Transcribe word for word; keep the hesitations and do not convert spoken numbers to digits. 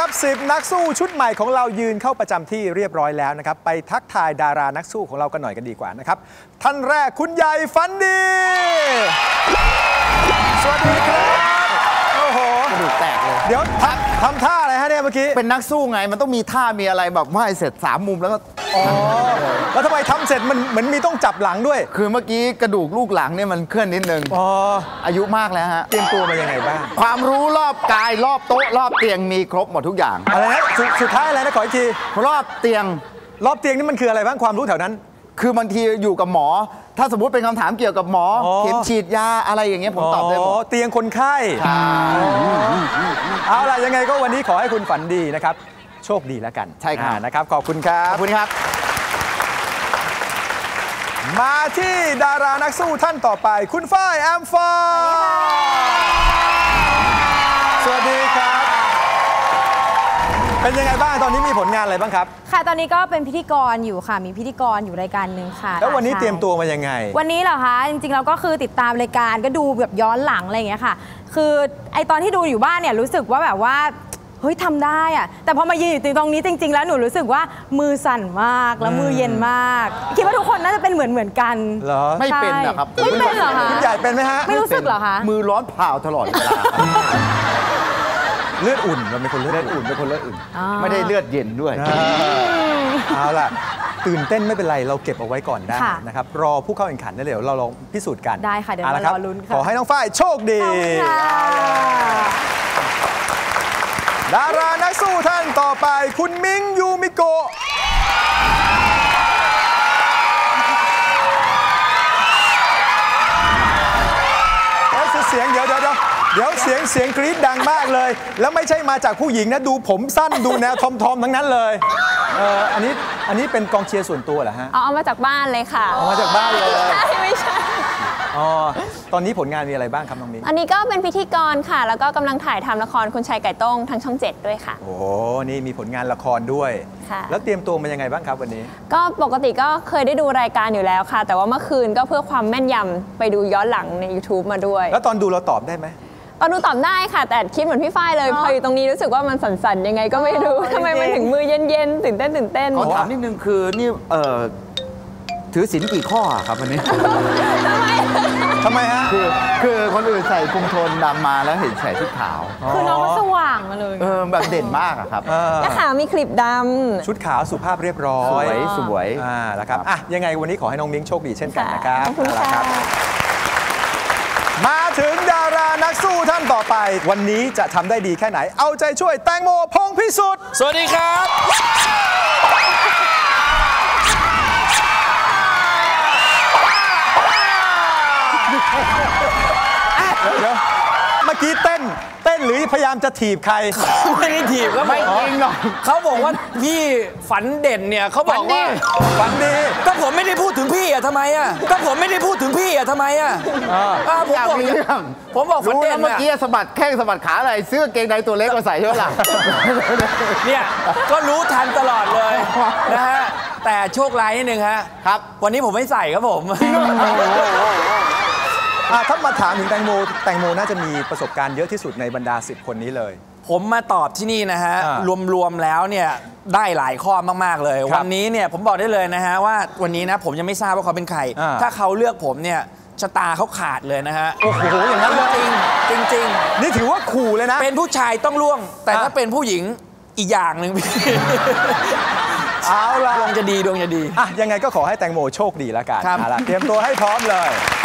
สิบนักสู้ชุดใหม่ของเรายืนเข้าประจำที่เรียบร้อยแล้วนะครับไปทักทายดารานักสู้ของเรากันหน่อยกันดีกว่านะครับท่านแรกคุณใหญ่ฝันดีสวัสดีครับโอ้โหกระดูกแตกเลยเดี๋ยวทำทำท่าอะไรฮะเนี่ยเมื่อกี้เป็นนักสู้ไงมันต้องมีท่ามีอะไรแบบว่าเสร็จสามมุมแล้วก็อ๋อแล้วทำไมทำเสร็จมันเหมือนมีต้องจับหลังด้วยคือเมื่อกี้กระดูกลูกหลังเนี่ยมันเคลื่อนนิดนึงอ๋ออายุมากแล้วฮะเตรียมตัวมายังไงบ้างความรู้รอบกายรอบโต๊ะรอบเตียงมีครบหมดทุกอย่างอะไรนะสุดท้ายอะไรนะขออีกทีรอบเตียงรอบเตียงนี่มันคืออะไรบ้างความรู้แถวนั้นคือบางทีอยู่กับหมอถ้าสมมุติเป็นคำถามเกี่ยวกับหมอเข็มฉีดยาอะไรอย่างเงี้ยผมตอบได้หมดเตียงคนไข้เอาล่ะยังไงก็วันนี้ขอให้คุณฝันดีนะครับโชคดีแล้วกันใช่ครับนะครับขอบคุณครับขอบคุณครับมาที่ดารานักสู้ท่านต่อไปคุณฝ้ายแอมฟอสวัสดีครับเป็นยังไงบ้างตอนนี้มีผลงานอะไรบ้างครับค่ะตอนนี้ก็เป็นพิธีกรอยู่ค่ะมีพิธีกรอยู่รายการหนึ่งค่ะแล้ววันนี้เตรียมตัวมายังไงวันนี้เหรอคะจริงๆเราก็คือติดตามรายการก็ดูแบบย้อนหลังอะไรอย่างเงี้ยค่ะคือไอตอนที่ดูอยู่บ้านเนี่ยรู้สึกว่าแบบว่าเฮ้ยทำได้อะแต่พอมายืนอยู่ตรงนี้จริงๆแล้วหนูรู้สึกว่ามือสั่นมากแล้วมือเย็นมากคิดว่าทุกคนน่าจะเป็นเหมือนเหมือนกันเหรอไม่เป็นนะครับไม่เป็นเหรอคะคุณใหญ่เป็นไหมฮะไม่รู้สึกเหรอคะมือร้อนเผาตลอดเวลาเลือดอุ่นเราเป็นคนเลือดอุ่นเป็นคนเลือดอุ่นไม่ได้เลือดเย็นด้วยเอาล่ะตื่นเต้นไม่เป็นไรเราเก็บเอาไว้ก่อนได้นะครับรอผู้เข้าแข่งขันได้เลยเราลองพิสูจน์กันได้ค่ะเดี๋ยวเรารอลุ้นค่ะขอให้น้องฝ้ายโชคดีดารานักสู้ท่านต่อไปคุณมิงยูมิโกะเสียงเดี๋ยวเดี๋ยวเดี๋ยวเสียงเสียงกรี๊ดดังมากเลยแล้วไม่ใช่มาจากผู้หญิงนะดูผมสั้นดูแนวทอมทอมทั้งนั้นเลยเอออันนี้อันนี้เป็นกองเชียร์ส่วนตัวเหรอฮะเอามาจากบ้านเลยค่ะเอามาจากบ้านเลยใช่ไม่ใช่อ๋อตอนนี้ผลงานมีอะไรบ้างครับน้องมิ้งอันนี้ก็เป็นพิธีกรค่ะแล้วก็กำลังถ่ายทำละครคุณชายไก่ต้งทางช่องเจ็ดด้วยค่ะโอ้นี่มีผลงานละครด้วยค่ะแล้วเตรียมตัวมายังไงบ้างครับวันนี้ก็ปกติก็เคยได้ดูรายการอยู่แล้วค่ะแต่ว่าเมื่อคืนก็เพื่อความแม่นยำไปดูย้อนหลังใน ยูทูบ มาด้วยแล้วตอนดูเราตอบได้ไหมตอนดูตอบได้ค่ะแต่คิดเหมือนพี่ฝ้ายเลยพออยู่ตรงนี้รู้สึกว่ามันสั่นๆยังไงก็ไม่รู้ทำไมมันถึงมือเย็นๆตื่นเต้นตื่นเต้นขอถามนิดนึงคือนี่เอ่อถือศีลกี่ข้อครับวันนี้ทำไมฮะคือคือคนอื่นใส่คุมโทนดำมาแล้วเห็นใส่ชุดขาวคือน้องก็สว่างมาเลยเออแบบเด่นมากอะครับและขาวมีคลิปดำชุดขาวสุภาพเรียบร้อยสวยสวยอ่าแล้วครับอ่ะยังไงวันนี้ขอให้น้องมิ้งโชคดีเช่นกันนะครับขอบคุณค่ะมาถึงดารานักสู้ท่านต่อไปวันนี้จะทำได้ดีแค่ไหนเอาใจช่วยแตงโมพงษ์พิสุทธิ์สวัสดีครับเดี๋ยวเมื่อกี้เต้นเต้นหรือพยายามจะถีบใครไม่ได้ถีบก็ไม่จริงหรอกเขาบอกว่าพี่ฝันเด่นเนี่ยเขาบอกว่าฝันดีก็ผมไม่ได้พูดถึงพี่อะทำไมอะก็ผมไม่ได้พูดถึงพี่อะทำไมอะผมบอกเรื่องผมบอกฝันเด่นเมื่อกี้สะบัดแข้งสะบัดขาอะไรเสื้อเกงในตัวเล็กมาใส่เท่าไหร่เนี่ยก็รู้ทันตลอดเลยนะฮะแต่โชคร้ายนิดนึงฮะครับวันนี้ผมไม่ใส่ครับผมถ้ามาถามถึงแตงโมแตงโมน่าจะมีประสบการณ์เยอะที่สุดในบรรดาสิบคนนี้เลยผมมาตอบที่นี่นะฮะรวมๆแล้วเนี่ยได้หลายข้อมากๆเลยวันนี้เนี่ยผมบอกได้เลยนะฮะว่าวันนี้นะผมยังไม่ทราบว่าเขาเป็นใครถ้าเขาเลือกผมเนี่ยชะตาเขาขาดเลยนะฮะโอ้โหอย่างนั้นจริงจริงจริงนี่ถือว่าขู่เลยนะเป็นผู้ชายต้องล่วงแต่ถ้าเป็นผู้หญิงอีกอย่างหนึ่งเอาล่ะดวงจะดีดวงจะดีอ่ะยังไงก็ขอให้แตงโมโชคดีแล้วกันเอาล่ะเตรียมตัวให้พร้อมเลย